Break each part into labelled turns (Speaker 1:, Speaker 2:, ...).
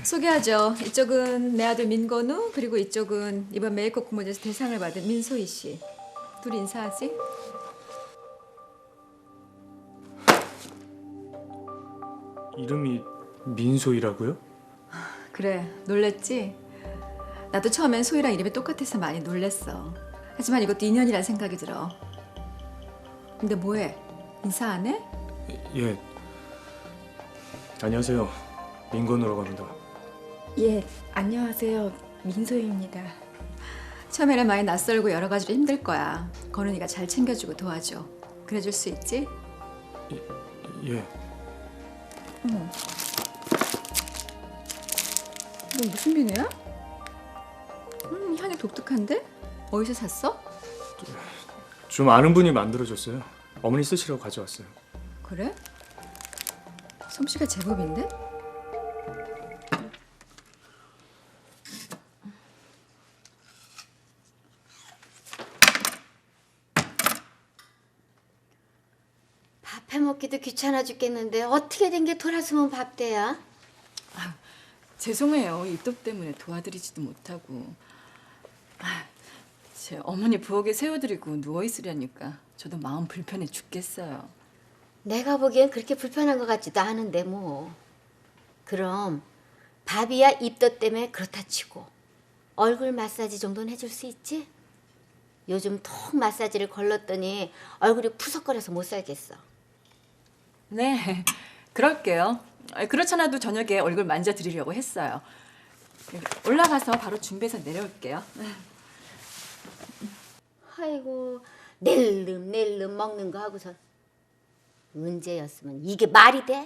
Speaker 1: 소개하죠. 이쪽은 내 아들 민건우, 그리고 이쪽은 이번 메이크업 공모전에서 대상을 받은 민소희 씨. 둘이 인사하지?
Speaker 2: 이름이 민소희라고요?
Speaker 1: 그래, 놀랬지? 나도 처음엔 소희랑 이름이 똑같아서 많이 놀랬어. 하지만 이것도 인연이란 생각이 들어. 근데 뭐해? 인사 안 해?
Speaker 2: 예. 안녕하세요. 민건우라고 합니다.
Speaker 3: 예, 안녕하세요. 민소희입니다.
Speaker 1: 처음에는 많이 낯설고 여러 가지로 힘들 거야. 건훈이가 잘 챙겨주고 도와줘. 그래줄 수 있지?
Speaker 2: 예.
Speaker 1: 이건 무슨 비누야? 향이 독특한데? 어디서 샀어?
Speaker 2: 좀 아는 분이 만들어줬어요. 어머니 쓰시라고 가져왔어요.
Speaker 1: 그래? 솜씨가 제법인데?
Speaker 4: 밥 해먹기도 귀찮아 죽겠는데 어떻게 된 게 돌아서면 밥대야?
Speaker 3: 죄송해요. 입덧 때문에 도와드리지도 못하고. 제 어머니 부엌에 세워드리고 누워 있으려니까 저도 마음 불편해 죽겠어요.
Speaker 4: 내가 보기엔 그렇게 불편한 것 같지도 않은데 뭐. 그럼 밥이야 입덧 때문에 그렇다 치고 얼굴 마사지 정도는 해줄 수 있지? 요즘 턱 마사지를 걸렀더니 얼굴이 푸석거려서 못 살겠어.
Speaker 3: 네, 그럴게요. 그렇잖아도 저녁에 얼굴 만져드리려고 했어요. 올라가서 바로 준비해서 내려올게요.
Speaker 4: 아이고 낼름 먹는 거 하고선 언제였으면 이게 말이 돼?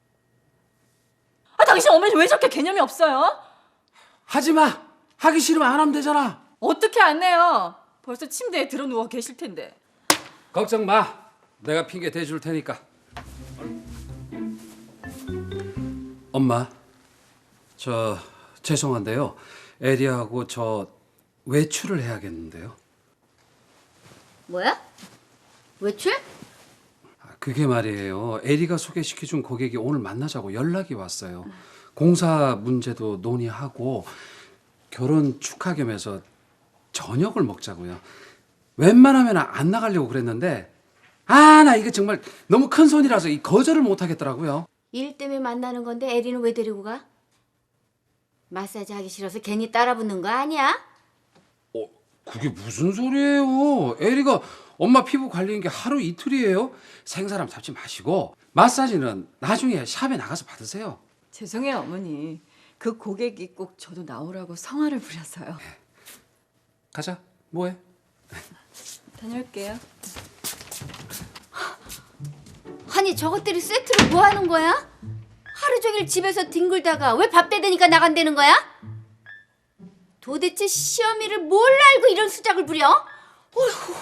Speaker 3: 당신 어머니 왜 저렇게 개념이 없어요?
Speaker 5: 하지 마. 하기 싫으면 안 하면 되잖아.
Speaker 3: 어떻게 안 해요? 벌써 침대에 들어 누워 계실 텐데.
Speaker 5: 걱정 마. 내가 핑계 대줄 테니까. 엄마, 저 죄송한데요. 에리하고 저 외출을 해야겠는데요.
Speaker 4: 뭐야? 외출?
Speaker 5: 그게 말이에요. 에리가 소개시켜준 고객이 오늘 만나자고 연락이 왔어요. 공사 문제도 논의하고 결혼 축하 겸해서 저녁을 먹자고요. 웬만하면 안 나가려고 그랬는데 나 이거 정말 너무 큰 손이라서 이 거절을 못 하겠더라고요.
Speaker 4: 일 때문에 만나는 건데 에리는 왜 데리고 가? 마사지 하기 싫어서 괜히 따라붙는 거 아니야?
Speaker 5: 그게 무슨 소리예요? 에리가 엄마 피부 관리인 게 하루 이틀이에요. 생사람 잡지 마시고 마사지는 나중에 샵에 나가서 받으세요.
Speaker 3: 죄송해요 어머니. 그 고객이 꼭 저도 나오라고 성화를 부려서요.
Speaker 5: 가자. 뭐해?
Speaker 3: 다녀올게요.
Speaker 4: 아니 저것들이 세트로 뭐 하는 거야? 하루 종일 집에서 뒹굴다가 왜 밥 대되니까 나간다는 거야? 도대체 시어미를 뭘 알고 이런 수작을 부려? 어휴.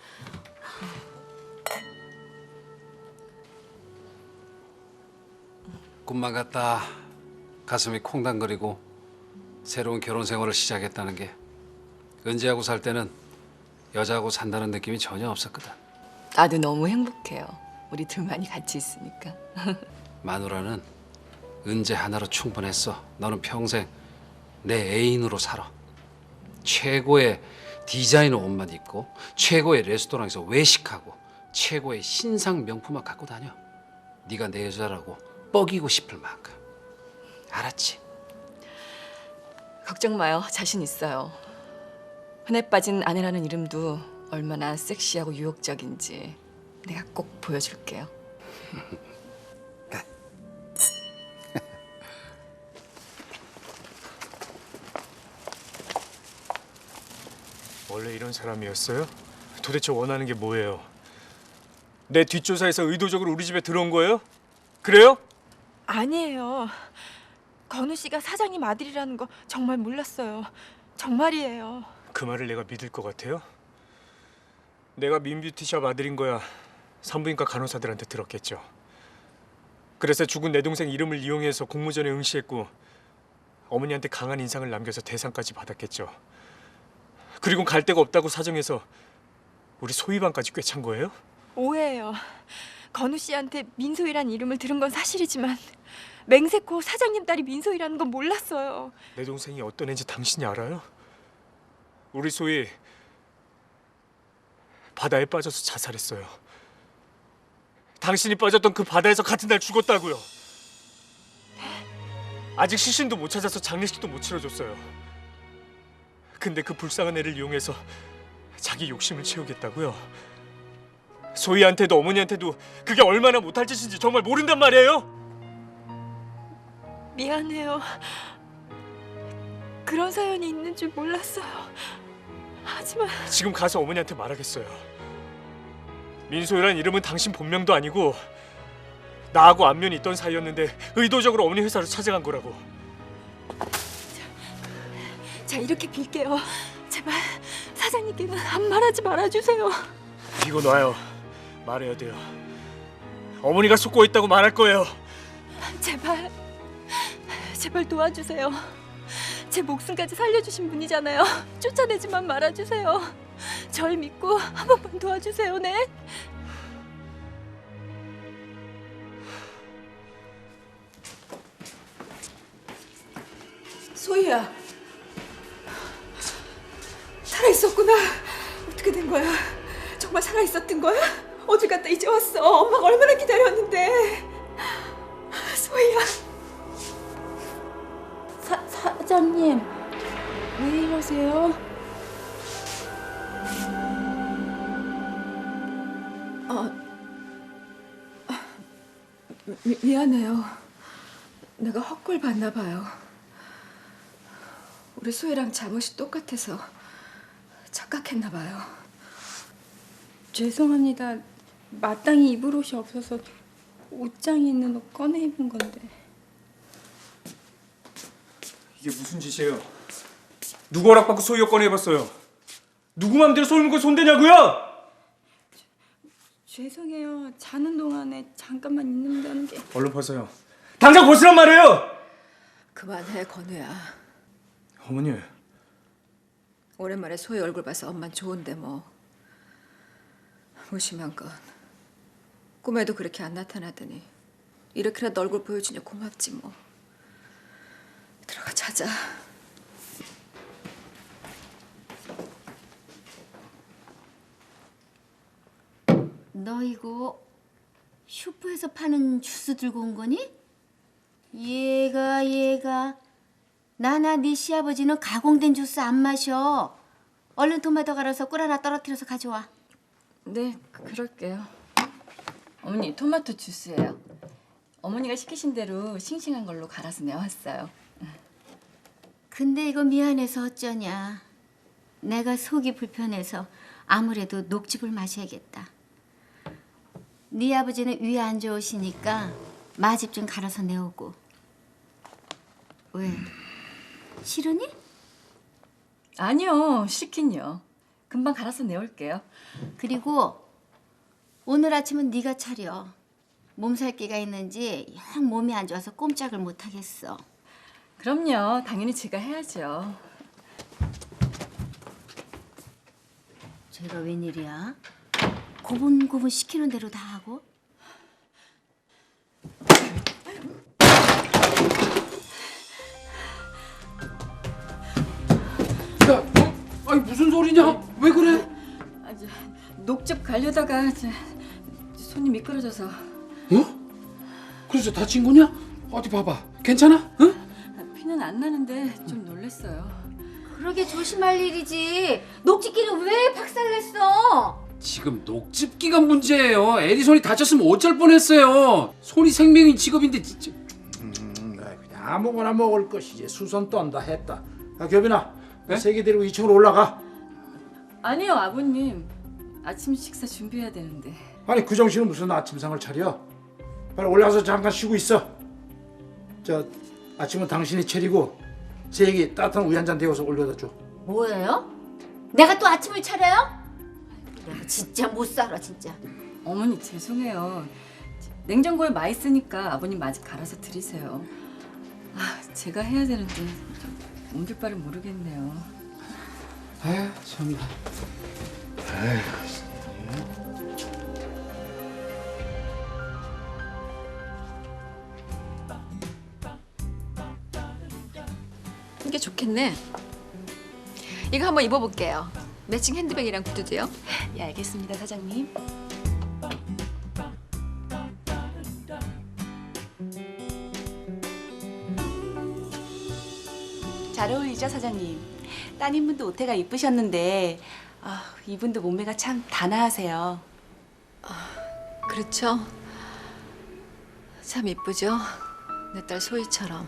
Speaker 5: 꿈만 같다. 가슴이 콩당거리고 새로운 결혼 생활을 시작했다는 게 은지하고 살 때는 여자하고 산다는 느낌이 전혀 없었거든.
Speaker 3: 나도 너무 행복해요. 우리 둘만이 같이 있으니까.
Speaker 5: 마누라는 은재 하나로 충분했어. 너는 평생 내 애인으로 살아. 최고의 디자이너 옷만 입고 최고의 레스토랑에서 외식하고 최고의 신상 명품만 갖고 다녀. 네가 내 여자라고 뻐기고 싶을 만큼. 알았지?
Speaker 3: 걱정 마요. 자신 있어요. 흔해 빠진 아내라는 이름도 얼마나 섹시하고 유혹적인지 내가 꼭 보여줄게요.
Speaker 2: 원래 이런 사람이었어요? 도대체 원하는 게 뭐예요? 내 뒷조사에서 의도적으로 우리 집에 들어온 거예요? 그래요?
Speaker 6: 아니에요. 건우 씨가 사장님 아들이라는 거 정말 몰랐어요. 정말이에요.
Speaker 2: 그 말을 내가 믿을 것 같아요? 내가 민뷰티샵 아들인 거야 산부인과 간호사들한테 들었겠죠. 그래서 죽은 내 동생 이름을 이용해서 공모전에 응시했고 어머니한테 강한 인상을 남겨서 대상까지 받았겠죠. 그리고 갈 데가 없다고 사정해서 우리 소희방까지 꿰찬 거예요?
Speaker 6: 오해예요. 건우 씨한테 민소희란 이름을 들은 건 사실이지만 맹세코 사장님 딸이 민소희라는 건 몰랐어요.
Speaker 2: 내 동생이 어떤 애인지 당신이 알아요? 우리 소희 바다에 빠져서 자살했어요. 당신이 빠졌던 그 바다에서 같은 날 죽었다고요. 아직 시신도 못 찾아서 장례식도 못 치러줬어요. 근데 그 불쌍한 애를 이용해서 자기 욕심을 채우겠다고요. 소희한테도 어머니한테도 그게 얼마나 못할 짓인지 정말 모른단 말이에요?
Speaker 6: 미안해요. 그런 사연이 있는 줄 몰랐어요. 하지만
Speaker 2: 지금 가서 어머니한테 말하겠어요. 민소희란 이름은 당신 본명도 아니고 나하고 안면이 있던 사이였는데 의도적으로 어머니 회사로 찾아간 거라고.
Speaker 6: 자, 이렇게 빌게요. 제발 사장님께는 한 말하지 말아주세요.
Speaker 2: 이거 놔요. 말해야 돼요. 어머니가 속고 있다고 말할 거예요.
Speaker 6: 제발 도와주세요. 제 목숨까지 살려주신 분이잖아요. 쫓아내지만 말아주세요. 절 믿고 한 번만 도와주세요. 네.
Speaker 1: 소희야, 살아있었구나. 어떻게 된 거야? 정말 살아있었던 거야? 어딜 갔다 이제 왔어? 엄마가 얼마나 기다렸는데. 소희야.
Speaker 6: 사장님, 왜 이러세요?
Speaker 1: 미안해요. 내가 헛걸 봤나 봐요. 우리 소희랑 잠옷이 똑같아서 착각했나 봐요.
Speaker 6: 죄송합니다. 마땅히 입을 옷이 없어서 옷장에 있는 옷 꺼내 입은 건데.
Speaker 2: 이게 무슨 짓이에요? 누구 허락받고 소희 꺼내 입었어요? 누구 맘대로 소희 물고 손대냐고요?
Speaker 6: 죄송해요. 자는 동안에 잠깐만 입는다는 게.
Speaker 2: 얼른 벗어요. 당장 벗으란 말이에요.
Speaker 1: 그만해, 건우야.
Speaker 2: 어머니.
Speaker 1: 오랜만에 소희 얼굴 봐서 엄만 좋은데 뭐. 무심한 건 꿈에도 그렇게 안 나타나더니 이렇게라도 얼굴 보여주니 고맙지 뭐. 들어가 자자.
Speaker 4: 너 이거 슈퍼에서 파는 주스 들고 온 거니? 얘가 나나 네 시아버지는 가공된 주스 안 마셔. 얼른 토마토 갈아서 꿀 하나 떨어뜨려서 가져와.
Speaker 3: 네, 그럴게요. 어머니, 토마토 주스예요. 어머니가 시키신 대로 싱싱한 걸로 갈아서 내왔어요.
Speaker 4: 근데 이거 미안해서 어쩌냐. 내가 속이 불편해서 아무래도 녹즙을 마셔야겠다. 네 아버지는 위 안 좋으시니까 마즙 좀 갈아서 내오고. 왜? 싫으니?
Speaker 3: 아니요, 싫긴요. 금방 갈아서 내올게요.
Speaker 4: 그리고 오늘 아침은 네가 차려. 몸살기가 있는지 영 몸이 안 좋아서 꼼짝을 못 하겠어.
Speaker 3: 그럼요, 당연히 제가 해야죠.
Speaker 4: 쟤가 웬일이야? 고분고분 시키는 대로 다 하고?
Speaker 5: 야, 아니 무슨 소리냐? 왜 그래?
Speaker 3: 녹즙 갈려다가 손이 미끄러져서.
Speaker 5: 그래서 다친 거냐? 어디 봐봐. 괜찮아? 응?
Speaker 3: 피는 안 나는데 좀 놀랬어요.
Speaker 4: 그러게 조심할 일이지. 녹즙기는 왜 박살냈어?
Speaker 5: 지금 녹즙기가 문제예요. 에디 손이 다쳤으면 어쩔 뻔했어요. 손이 생명인 직업인데 진짜.
Speaker 7: 그냥 아무거나 먹을 것이지. 수선 떤다 했다. 야, 교빈아,
Speaker 5: 네?
Speaker 7: 세개 데리고 2층으로 올라가.
Speaker 3: 아니요, 아버님. 아침 식사 준비해야 되는데.
Speaker 7: 아니 그 정신은 무슨 아침상을 차려? 빨리 올라가서 잠깐 쉬고 있어. 저 아침은 당신이 차리고 세기 따뜻한 우유 한 잔 데워서 올려다 줘.
Speaker 4: 뭐예요? 내가 또 아침을 차려요? 내가 진짜 못 살아 진짜.
Speaker 3: 어머니 죄송해요. 냉장고에 마 있으니까 아버님 마저 갈아서 드리세요. 제가 해야 되는데 옮길 바를 모르겠네요.
Speaker 5: 아휴 참나.
Speaker 1: 이게 좋겠네. 이거 한번 입어볼게요. 매칭 핸드백이랑 구두도요.
Speaker 6: 예, 알겠습니다, 사장님. 잘 어울리죠, 사장님? 따님분도 옷태가 이쁘셨는데 이분도 몸매가 참 단아하세요.
Speaker 1: 그렇죠. 참 이쁘죠. 내 딸 소희처럼.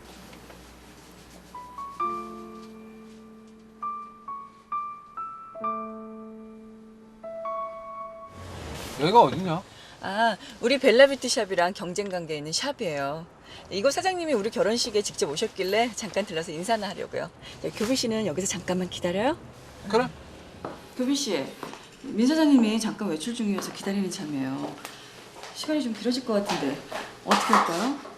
Speaker 5: 여기가 어디냐?
Speaker 3: 우리 벨라뷰티샵이랑 경쟁 관계에 있는 샵이에요. 이곳 사장님이 우리 결혼식에 직접 오셨길래 잠깐 들러서 인사나 하려고요. 교빈 씨는 여기서 잠깐만 기다려요.
Speaker 5: 그래.
Speaker 3: 교빈 씨, 민 사장님이 잠깐 외출 중이어서 기다리는 참이에요. 시간이 좀 길어질 것 같은데 어떻게 할까요?